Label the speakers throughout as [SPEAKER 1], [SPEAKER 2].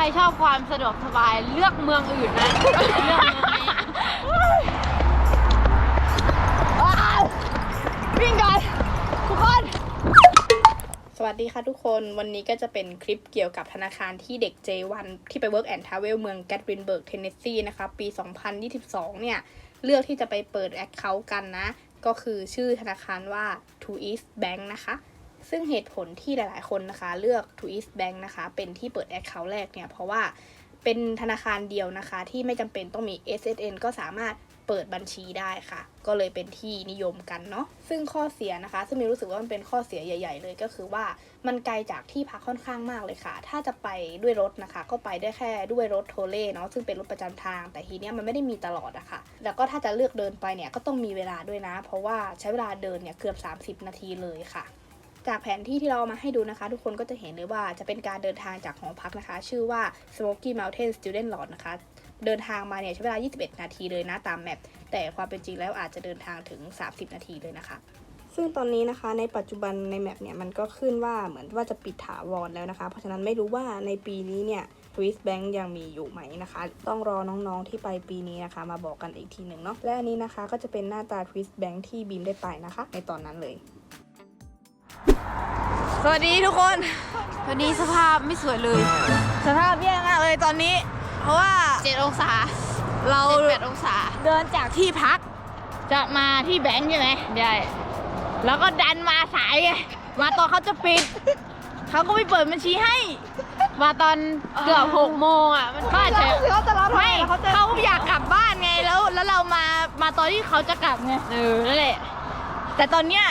[SPEAKER 1] รชอบความสะดวกสบายเลือกเมืองอื่นนะเลือกเมืองนี้
[SPEAKER 2] วิ่งก่อนทุกคนสวัสดีค่ะทุกคนวันนี้ก็จะเป็นคลิปเกี่ยวกับธนาคารที่เด็ก J1 ที่ไป Work and Travel เมืองแกตวินเบิร์กเทนเนสซีนะคะปี 2022 เนี่ยเลือกที่จะไปเปิด Account กันนะก็คือชื่อธนาคารว่า Truist Bank นะคะซึ่งเหตุผลที่หลายๆคนนะคะเลือก Truist Bank นะคะเป็นที่เปิด Account แรกเนี่ยเพราะว่าเป็นธนาคารเดียวนะคะที่ไม่จำเป็นต้องมี SSN ก็สามารถเปิดบัญชีได้ค่ะก็เลยเป็นที่นิยมกันเนาะซึ่งข้อเสียนะคะซึ่งมีรู้สึกว่ามันเป็นข้อเสียใหญ่ๆเลยก็คือว่ามันไกลจากที่พักค่อนข้างมากเลยค่ะถ้าจะไปด้วยรถนะคะก็ไปได้แค่ด้วยรถโทเล่เนาะซึ่งเป็นรถประจำทางแต่ทีเนี้ยมันไม่ได้มีตลอดอะค่ะแล้วก็ถ้าจะเลือกเดินไปเนี่ยก็ต้องมีเวลาด้วยนะเพราะว่าใช้เวลาเดินเนี่ยเกือบ30นาทีเลยค่ะจากแผนที่ที่เรามาให้ดูนะคะทุกคนก็จะเห็นเลยว่าจะเป็นการเดินทางจากหอพักนะคะชื่อว่า Smoky Mountain Student Lodge นะคะเดินทางมาเนี่ยใช้เวลา21นาทีเลยนะตามแมปแต่ความเป็นจริงแล้วอาจจะเดินทางถึง30นาทีเลยนะคะซึ่งตอนนี้นะคะในปัจจุบันในแมปเนี่ยมันก็ขึ้นว่าเหมือนว่าจะปิดถาวรแล้วนะคะเพราะฉะนั้นไม่รู้ว่าในปีนี้เนี่ย Truist Bank ยังมีอยู่ไหมนะคะต้องรอน้องๆที่ไปปีนี้นะคะมาบอกกันอีกทีหนึ่งเนาะและอันนี้นะคะก็จะเป็นหน้าตา Truist Bank ที่บีมได้ไปนะคะในตอนนั้นเลย
[SPEAKER 3] สวัสดีทุกคน
[SPEAKER 1] วันนี้สภาพไม่สวยเลย
[SPEAKER 3] สภาพแย่มากเลยตอนนี้เพราะว่า
[SPEAKER 1] 7องศา
[SPEAKER 3] เรา
[SPEAKER 1] 8องศา
[SPEAKER 3] เดินจากที่พักจะมาที่แบงค์ใช่ไหม
[SPEAKER 1] ใช่
[SPEAKER 3] แล้วก็ดันมาสายไงมาตอนเขาจะปิดเขาก็ไม่เปิดบัญชีให้
[SPEAKER 1] มาตอนเกือบ6โมงอ่ะมันก็อาจจะ
[SPEAKER 3] ไม่เขาอยากกลับบ้านไงแล้วเรามาตอนที่เขาจะกลับไง
[SPEAKER 1] นั่นแหละ
[SPEAKER 3] แต่ตอนเนี้ย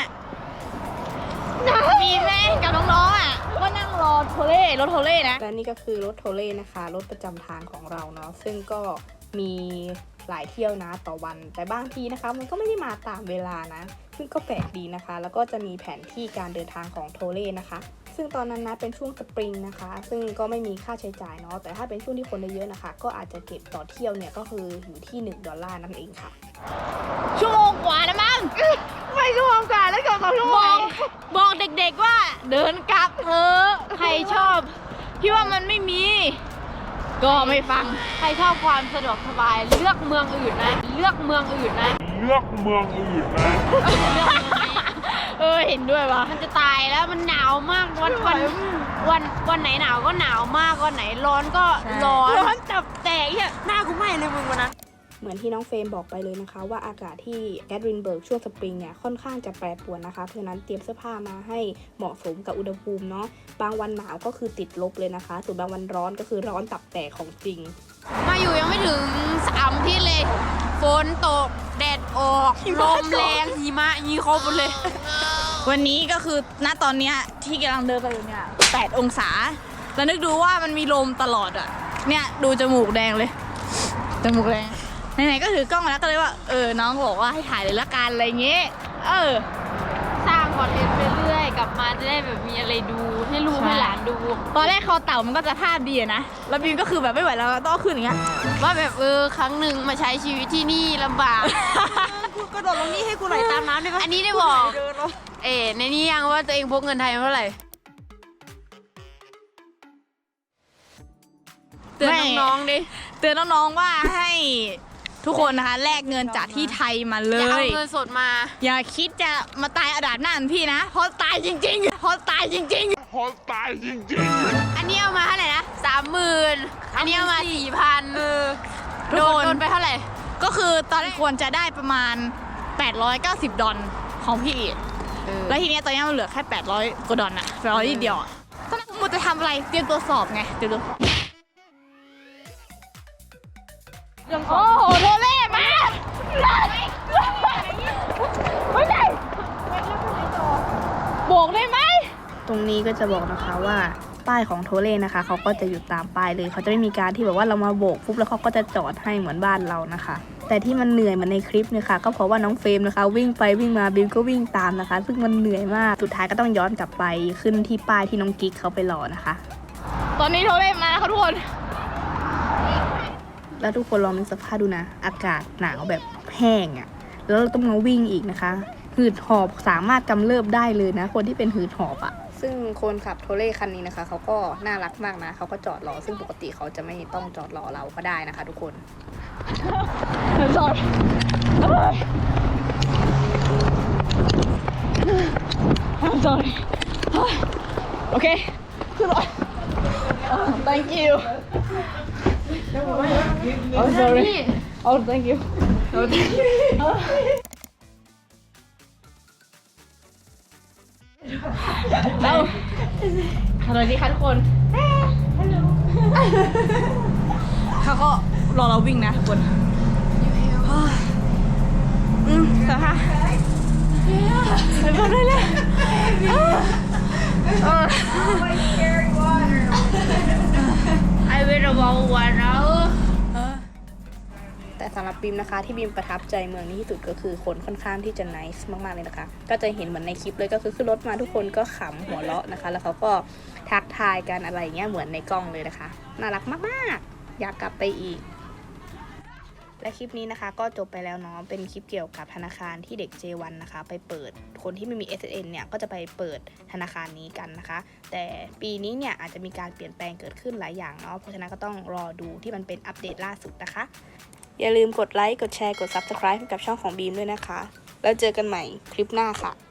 [SPEAKER 3] มีแม่กับน้องๆอ่ะก็นั่งรอโทเล่รถโทเล่นะ
[SPEAKER 2] และนี่ก็คือรถโทเล่นะคะรถประจำทางของเราเนาะซึ่งก็มีหลายเที่ยวนะต่อวันแต่บางทีนะคะมันก็ไม่ได้มาตามเวลานะซึ่งก็แปลกดีนะคะแล้วก็จะมีแผนที่การเดินทางของโทเล่นะคะซึ่งตอนนั้นนะเป็นช่วงสปริงนะคะซึ่งก็ไม่มีค่าใช้จ่ายเนาะแต่ถ้าเป็นช่วงที่คนเยอะๆนะคะก็อาจจะเก็บต่อเที่ยวเนี่ยก็คืออยู่ที่$1นั่นเองค่ะ
[SPEAKER 3] ชั่วโมงกว่าแล้วมั้งไม่ชั่วโมงกว่าแล้วเกือบ2ชั่วโมงบอกเด็กๆว่าเดินกลับเถอะใครชอบพี่ว่ามันไม่มีก็ไม่ฟัง
[SPEAKER 1] ใครชอบความสะดวกสบายเลือกเมืองอื่นนะเลือกเมืองอื่นนะ
[SPEAKER 3] เห็นด้วยว่ะ
[SPEAKER 1] มันจะตายแล้วมันหนาวมากวันไหนหนาวก็หนาวมากวันไหนร้อนก็ร้อน
[SPEAKER 3] จับแตกเนี่ยหน้ากูไหม้เลยมึงวันนั้น
[SPEAKER 2] เหมือนที่น้องเฟรมบอกไปเลยนะคะว่าอากาศที่แกตวินเบิร์กช่วงสปริงเนี่ยค่อนข้างจะแปรปรวนนะคะเพราะฉะนั้นเตรียมเสื้อผ้ามาให้เหมาะสมกับอุณหภูมิเนาะบางวันหนาวก็คือติดลบเลยนะคะส่วนบางวันร้อนก็คือร้อนตับแตกของจริง
[SPEAKER 1] มาอยู่ยังไม่ถึง3ที่เลยฝนตกแดดออกลมแรงหิมะยีครบหมดเลย
[SPEAKER 3] วันนี้ก็คือณตอนเนี้ยที่กำลังเดินไปอยู่เนี่ย8องศาแล้วนึกดูว่ามันมีลมตลอดอ่ะเนี่ยดูจมูกแดงเลยจมูกแดงไหนๆก็ถือกล้องมาแล้วก็เลยว่าน้องบอกว่าให้ถ่ายเลยละกันอะไรเงี้ย
[SPEAKER 1] สร้างคอนเทนต์ไปเรื่อยกลับมาจะได้แบบมีอะไรดูให้ลูกให้หลานดู
[SPEAKER 3] ตอนแรกคอเต่ามันก็จะท่าดีนะแล้วบีมก็คือแบบไม่ไหวแล้วต้องขึ้นอย่างเงี้ย
[SPEAKER 1] ว่าแบบครั้งหนึ่งมาใช้ชีวิตที่นี่ลำบาก
[SPEAKER 3] กูกระโดดลงนี่ให้กูไหลตามน้ำได้ปะ
[SPEAKER 1] อันนี้ได้บอกในนี้ยังว่าตัวเองพกเงินไทยเท่าไหร่เตือนน้องๆดิ
[SPEAKER 3] เตือนน้องๆว่าให้ทุกคนนะคะแลกเงินจากที่ไทยมาเลย
[SPEAKER 1] อย่าเอาเงินสดมา
[SPEAKER 3] อย่าคิดจะมาตายอาดาดหน้าพี่นะเพราะตายจริงๆ
[SPEAKER 1] อันนี้เอามาเท่าไหร่นะ30,000อันนี้เอามา4,000โดนไปเท่าไหร่
[SPEAKER 3] ก็คือตอนแรกควรจะได้ประมาณ$890ของพี่แล้วทีนี้ตอนนี้มันเหลือแค่800กว่าดอลลาร์800นิดเดียวตอนนั้นมึงจะทำอะไรเตรียมตัวสอบไงโอ้โหโทเล่มาไม่ได้บอกได้ไหม
[SPEAKER 2] ตรงนี้ก็จะบอกนะคะว่าป้ายของโทเล่นะคะเขาก็จะอยู่ตามป้ายเลยเขาจะไม่มีการที่แบบว่าเรามาโบกปุ๊บแล้วเขาก็จะจอดให้เหมือนบ้านเรานะคะแต่ที่มันเหนื่อยเหมือนในคลิปเนี่ยค่ะก็เพราะว่าน้องเฟรมนะคะวิ่งไปวิ่งมาบิมก็วิ่งตามนะคะซึ่งมันเหนื่อยมากสุดท้ายก็ต้องย้อนกลับไปขึ้นที่ป้ายที่น้องกิ๊กเขาไปรอนะคะ
[SPEAKER 3] ตอนนี้โทเล่มาแล้วค่ะทุกคน
[SPEAKER 2] แล้วทุกคนลองนึกสภาพดูนะอากาศหนาวแบบแห้งอ่ะแล้วเราต้องมาวิ่งอีกนะคะหืดหอบสามารถกำเริบได้เลยนะคนที่เป็นหืดหอบอ่ะซึ่งคนขับโทเล่คันนี้นะคะเขาก็น่ารักมากนะเขาก็จอดรอซึ่งปกติเขาจะไม่ต้องจอดรอเราก็ได้นะคะทุกคน
[SPEAKER 3] sorry I'm sorry โอเคขึ้นรถ thank you oh sorry oh thank you oh thank you เราสวัสดีค่ะทุกคนเขาก็รอเราวิ่งนะทุกคนสภาพไปบอกได้เลย
[SPEAKER 1] I will about 1 hour
[SPEAKER 2] แต่สำหรับบีมนะคะที่บีมประทับใจเมืองนี้ที่สุดก็คือคนค่อนข้างที่จะ nice มากๆเลยนะคะก็จะเห็นเหมือนในคลิปเลยก็คือขึ้นรถมาทุกคนก็ขำหัวเราะนะคะแล้วเขาก็ทักทายกันอะไรเงี้ยเหมือนในกล้องเลยนะคะน่ารักมากๆอยากกลับไปอีกและคลิปนี้นะคะก็จบไปแล้วเนาะเป็นคลิปเกี่ยวกับธนาคารที่เด็ก J1 นะคะไปเปิดคนที่ไม่มี SSN เนี่ยก็จะไปเปิดธนาคารนี้กันนะคะแต่ปีนี้เนี่ยอาจจะมีการเปลี่ยนแปลงเกิดขึ้นหลายอย่างเนาะเพราะฉะนั้นก็ต้องรอดูที่มันเป็นอัปเดตล่าสุดนะคะอย่าลืมกดไลค์กดแชร์กด Subscribe ให้กับช่องของบีมด้วยนะคะแล้วเจอกันใหม่คลิปหน้าค่ะ